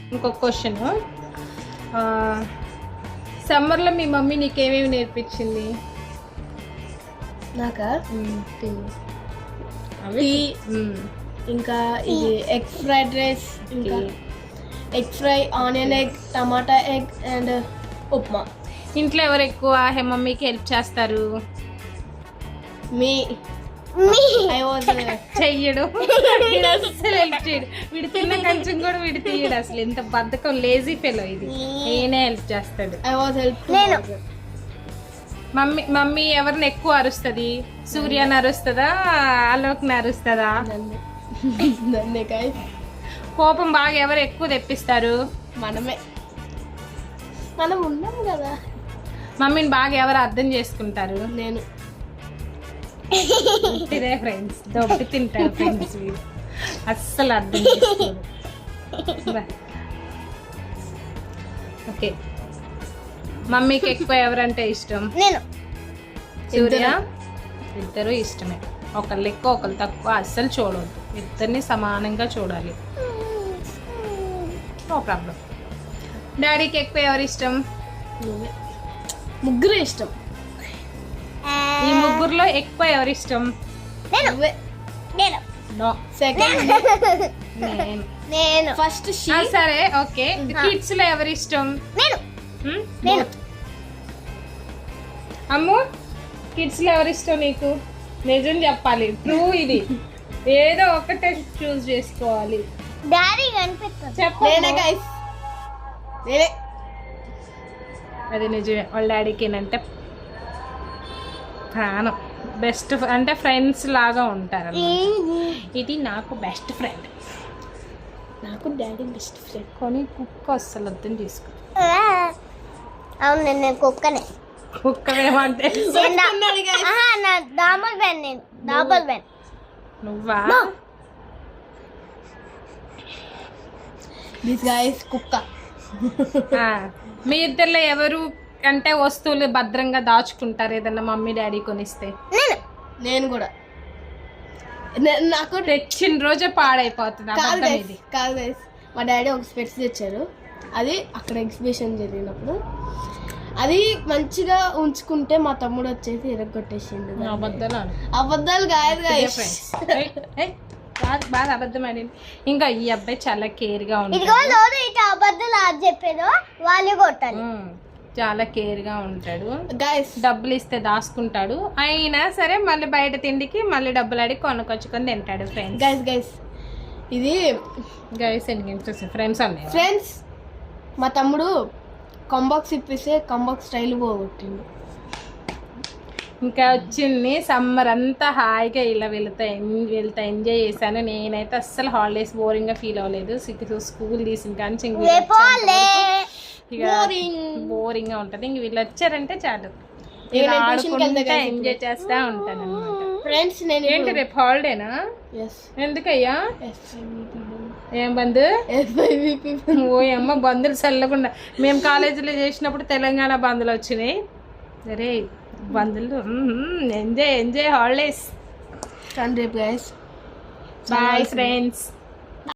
ఇంకొక క్వశ్చన్, సమ్మర్లో మీ మమ్మీ నీకేమేమి నేర్పించింది? నాకా అవి ఇంకా ఇది ఎగ్ ఫ్రైడ్ రైస్, ఇంకా egg fry, onion egg, tomato egg and upma. ఇంట్లో ఎవరు ఎక్కువ మమ్మీకి హెల్ప్ చేస్తారు? మీ ఐ వాజ్ చెయ్యడు, వీడు అస్సలు హెల్ప్ చేయడు. వీడు తిన్న కొంచెం కూడా వీడు తీయడు. అసలు ఎంత బద్ధకం, లేజీ ఫెలో ఇది. నేనే హెల్ప్ చేస్తాడు. I was help. మమ్మీ ఎవరిని ఎక్కువ అరుస్తుంది? సూర్యని అరుస్తుందా, అలోక్ని అరుస్తుందా? నన్నే గైస్. కోపం బాగా ఎవరు ఎక్కువ తెప్పిస్తారు? మనమే. మనం ఉన్నాం కదా. మమ్మీని బాగా ఎవరు అర్థం చేసుకుంటారు? నేను. ఇదే ఫ్రెండ్స్, దొబ్బి తింటారు ఫ్రెండ్స్. వీడు అస్సలు అర్థం చేసుకోరు. ఓకే, మమ్మీకి ఎక్కువ ఎవరంటే ఇష్టం? నేను. సూర్య. ఇద్దరు ఇష్టమే, ఒకళ్ళు ఎక్కువ ఒకళ్ళు తక్కువ అస్సలు చూడవద్దు. ఇద్దరిని సమానంగా చూడాలి. No problem. డాడీకి ఎక్కువ ఎవరు ఇష్టం? ముగ్గురు ఇష్టం. ఈ ముగ్గురులో ఎక్కువ ఎవరు ఇష్టం? నో, సెకండ్ నేను. ఫస్ట్ సరే ఓకే. కిడ్స్ లో ఎవరు ఇష్టం? అమ్ము, కిడ్స్ లో ఎవరు ఇష్టం నీకు? నిజం చెప్పాలి, ట్రూ ఇది. ఏదో ఒకటే చూస్ చేసుకోవాలి. డాడీ కనిపిస్తుంది. చెప్పు. అది నిజమే, వాళ్ళ డాడీకి ఏంటంటే ప్రాణం. బెస్ట్ అంటే ఫ్రెండ్స్ లాగా ఉంటారు. ఇది నాకు బెస్ట్ ఫ్రెండ్. నాకు డాడీ బెస్ట్ ఫ్రెండ్. కానీ కుక్క అస్సలు అర్థం చేసుకో. అవును, నేను కుక్కనే. కుక్కవేమంటే నువ్వా? కుక్క. మీ ఇద్దరిలో ఎవరు అంటే వస్తువులు భద్రంగా దాచుకుంటారు ఏదన్నా మమ్మీ డాడీ కొనిస్తే? నేను కూడా. నాకు తెచ్చిన రోజే పాడైపోతుంది. కాదు గైస్, మా డాడీ ఒక స్పెట్స్ తెచ్చారు. అది అక్కడ ఎగ్జిబిషన్ జరిగినప్పుడు అది మంచిగా ఉంచుకుంటే మా తమ్ముడు వచ్చేసి ఇరగొట్టేసిండు. అబద్ధాలు కాదు గైస్, బాగా అబద్ధం ఆడింది. ఇంకా ఈ అబ్బాయి చాలా కేర్ గా ఉంటాడు. చాలా కేర్ గా ఉంటాడు. డబ్బులు ఇస్తే దాచుకుంటాడు. అయినా సరే మళ్ళీ బయట తిండికి మళ్ళీ డబ్బులు అడిగి కొనుక్కొచ్చుకొని తింటాడు. ఫ్రెండ్స్ ఇది ఫ్రెండ్స్ మా తమ్ముడు కంబాక్స్ ఇప్పిస్తే కంబాక్స్ స్టైల్ పోగొట్టిండు. ఇంకా వచ్చింది సమ్మర్ అంతా హాయిగా ఇలా వెళ్తా ఎంజాయ్ చేశాను. నేనైతే అస్సలు హాలిడేస్ బోరింగ్ గా ఫీల్ అవ్వలేదు. స్కూల్ తీసిన కానీ బోరింగ్ గా ఉంటది. ఇంక వీళ్ళు వచ్చారంటే చాలు, ఎంజాయ్ చేస్తా ఉంటాను అన్నమాట. ఫ్రెండ్స్ ఏంటి రేపు హాలిడేనా? ఎందుకయ్యా? ఏం బంద్? ఓ అమ్మ, బందులు చల్లకుండా. మేము కాలేజీలో చేసినప్పుడు తెలంగాణ బందులు వచ్చినాయి. సరే బందులు ఎంజాయ్ హాలిడేస్. రేపు గైస్ బాయ్ ఫ్రెండ్స్.